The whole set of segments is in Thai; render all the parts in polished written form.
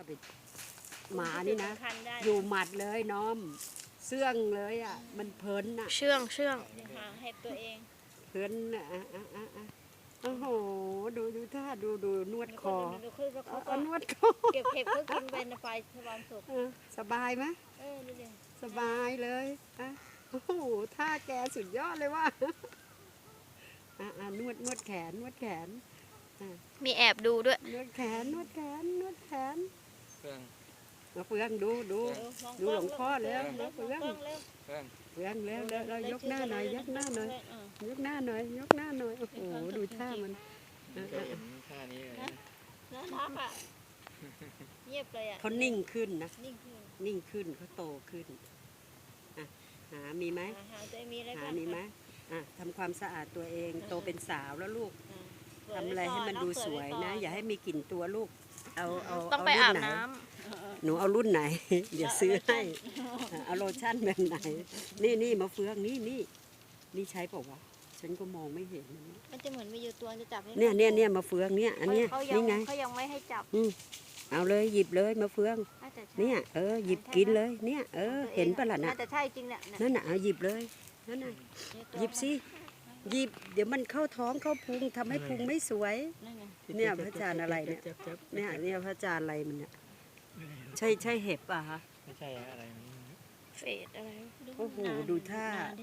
ไปหมานี่นะอยู่หมัดเลยน้อมเสื่องเลยอ่ะมันเพลินอ่ะเชื่องหาเห็ดตัวเองเพลินอ่ะโอ้โหดูท่าดูนวดคอดูคือเขาก็นวดคอเก็บเห็ดเพื่อกินเป็นไฟสว่างสุกสบายไหมดูดิสบายเลยโอ้โหท่าแกสุดยอดเลยว่ะนวดแขนมีแอบดูด้วยนวดแขนเฟื่องมาเฟืองดูหลวงพ่อแล้วเฟืองเฟื่องแล้วยกหน้าหน่อยยกหน้าหน่อยโอ้โหดูท่ามันเคยเห็นท่านี้เลยนะน่ารักอ่ะเงียบเลยอ่ะเขานิ่งขึ้นนะนิ่งขึ้นนิ่งขึ้นเขาโตขึ้นหามีไหมหาตัวมีอะไรหาบ้างมีไหมทำความสะอาดตัวเองโตเป็นสาวแล้วลูกเปิทำว้อะไรให้มันดูสวยนะ อย่าให้มีกลิ่นตัวลูกเอาต้องไปรุ่อาบไหนน้หนูเอารุ่นไหน เดี๋ยวซื้อให้เอาโลชั่นแบบไหนนี่มาเฟืองนี่ใช้เปล่าวะฉันก็มองไม่เห็นมันจะเหมือนมีอยู่ตัวจะจับเนี่ยมาเฟืองเนี่ยอันเนี้ยเขายันี่ไงเขายังไม่ให้จับเอาเลยหยิบเลยมาเฟืองน่าจะใช่เนี่ยหยิบกินเลยเนี่ยเห็นปะล่ะน่ะน่าจะใช่จริงเนี่ยนั่นน่ะเอาหยิบเลยนั่นน่ะหยิบสิหยิบเดี๋ยวมันเข้าท้องเข้าพุงทำให้พุงไม่สวยนั่นไงเนี่ยพระอาจารย์อะไรเนี่ยเนี่ยพระอาจารย์อะไรมันเนี่ยใช่เห็บป่ะฮะไม่ใช่อะไรมันำเฟดอะไรโอ้โหดูท่า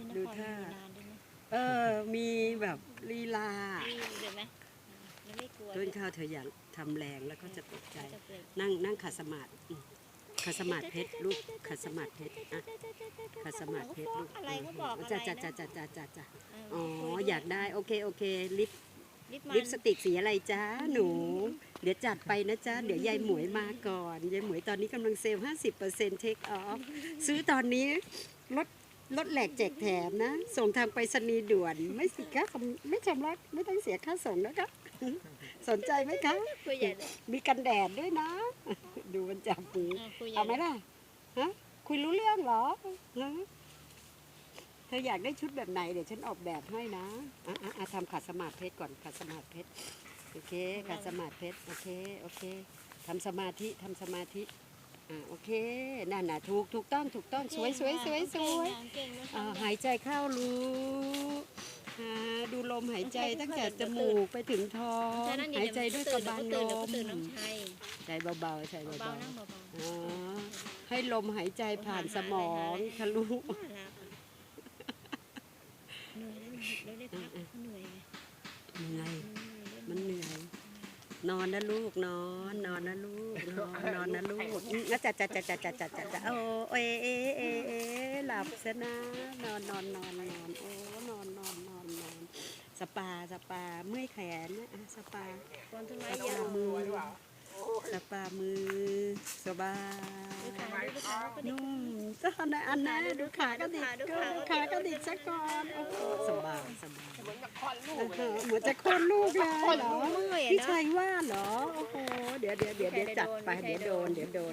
มีแบบลีลาเห็นไหมมันไม่กลัวต้นข้าวเธออยากทำแรงแล้วก็จะตกใจจะเปลี่ยนนั่งขัดสมาธิขัดสมาธิเพชรลูกขัดสมาธิเพชรขัดสมาธิเพชรลูกอะไรเขาบอกอะไรจ้าอ๋ออยากได้โอเคลิปมันลิปสติกสีอะไรจ้าหนู เดี๋ยวจัดไปนะจ้าเดี๋ยวยายหมวยมาก่อนยายหมวยตอนนี้กำลังเซลล์ 50% เทคออฟซื้อตอนนี้ลดแหลกแจกแถมนะ ส่งทางไปรษณีย์ด่วนไม่สิคะไม่ชำระไม่ต้องเสียค่าส่งนะคะสนใจไหมคะคุยใหญ่เลยมีกันแดดด้วยนะ ดูมันจับมือคุยใหญ่เอาไหมล่ะฮะคุยรู้เรื่องเหรอฮะเธออยากได้ชุดแบบไหนเดี๋ยวฉันออกแบบให้นะทำขัดสมาธิเพชรก่อนขัดสมาธิเพชรโอเคขัดสมาธิเพชรโอเคทำสมาธิโอเคนั่นน่ะถูกต้องสวยหายใจเข้ารู้ดูลมหายใจตั้งแต่จมูกไปถึงท้องหายใจด้วยกระบังลมใจเบาๆนั่งเบาให้ลมหายใจผ่านสมองทะลุๆเหนื่อยแล้วได้พักเหนื่อยเหนื่อยมันเหนื่อยนอนนะลูกนอนนะลูกนอนนะลูกจัดโอ้หลับซะนะนอนโอ้นอนสปาเมื่อยแขนนะสปาคนทำไมสยาปาว มือสบายนุ่มจะทำอะไรอันนะดูขากระดิกซะก่อนโอ้โหสบายเหมือนจะคลอดลูกเลยเหรอพี่ชัยว่าเหรอโอ้โหเดี๋ยวจัดไปเดี๋ยวโดน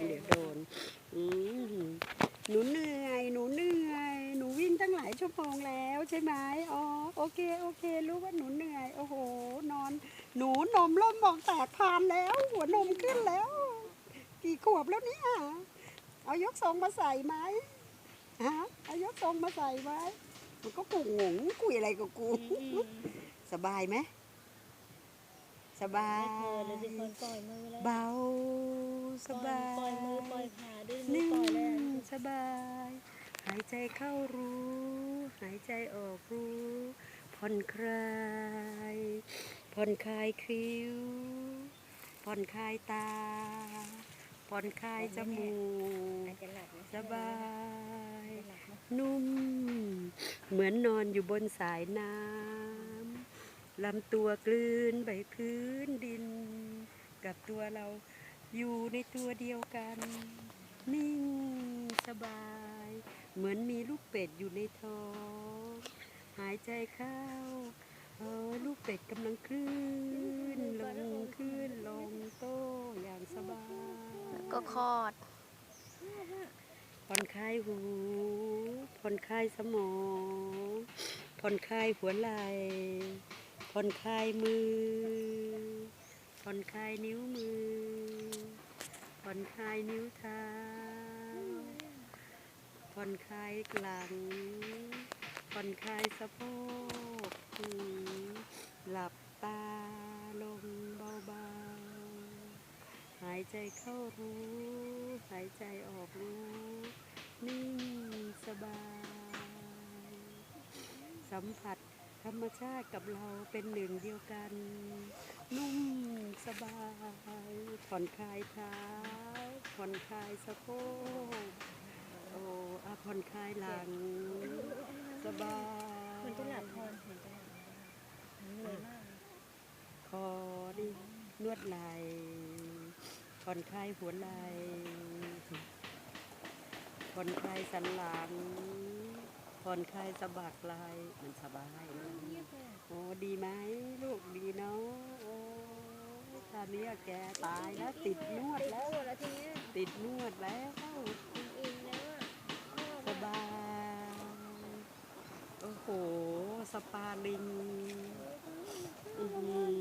หนูเหนื่อยหนูวิ่งตั้งหลายชั่วโมงแล้วใช่ไหมอ๋อโอเครู้ว่าหนูเหนื่อยโอ้โหหนูนมเริ่มมองแตกพานแล้วหัวนมขึ้นแล้วกี่ขวบแล้วเนี่ยเอายกทรงมาใส่ไหมเอายกทรงมาใส่ไหมมันก็งงคุยอะไรกับกูสบายไหมสบายเบาสบายปล่อยมือปล่อยขาดื้อนิ่ปล่อยเลยงสบายหายใจเข้ารู้หายใจออกรู้ผ่อนคลายคิ้วผ่อนคลายตาผ่อนคลายจมูกสบายนุ่มเหมือนนอนอยู่บนสายน้ำลำตัวกลืนไปพื้นดินกับตัวเราอยู่ในตัวเดียวกันนิ่งสบายเหมือนมีลูกเป็ดอยู่ในท้องหายใจเข้าลูกเป็ดกำลังคลื่นลงโตอย่างสบายก็คลอดผ่อนคลายหูผ่อนคลายสมองผ่อนคลายหัวไหล่ผ่อนคลายมือผ่อนคลายนิ้วมือผ่อนคลายนิ้วเท้าผ่อนคลายหลังผ่อนคลายสะโพกหลับตาลงเบาๆหายใจเข้ารู้หายใจออกรู้นิ่งสบายสัมผัสธรรมชาติกับเราเป็นหนึ่งเดียวกันนุ่มสบายผ่อนคลายเท้าผ่อนคลายสะโพกโอ้ผ่อนคลายหลังสบายมันจะหลับพรเห็นจะหลับเหนื่อยมากคอดินวดไหล่ผ่อนคลายหัวไหล่ผ่อนคลายสันหลังผ่อนคลายสะบักไหล่มันสบายนะโอ้ดีไหมลูกดีเนาะโอ้ตอนนี้แกตายแล้วติดนวดแล้วปวดแล้วทีเนี้ยติดนวดแล้วอินแล้วอ่ะสบายโอ้โหสปาลิงอื้อหือ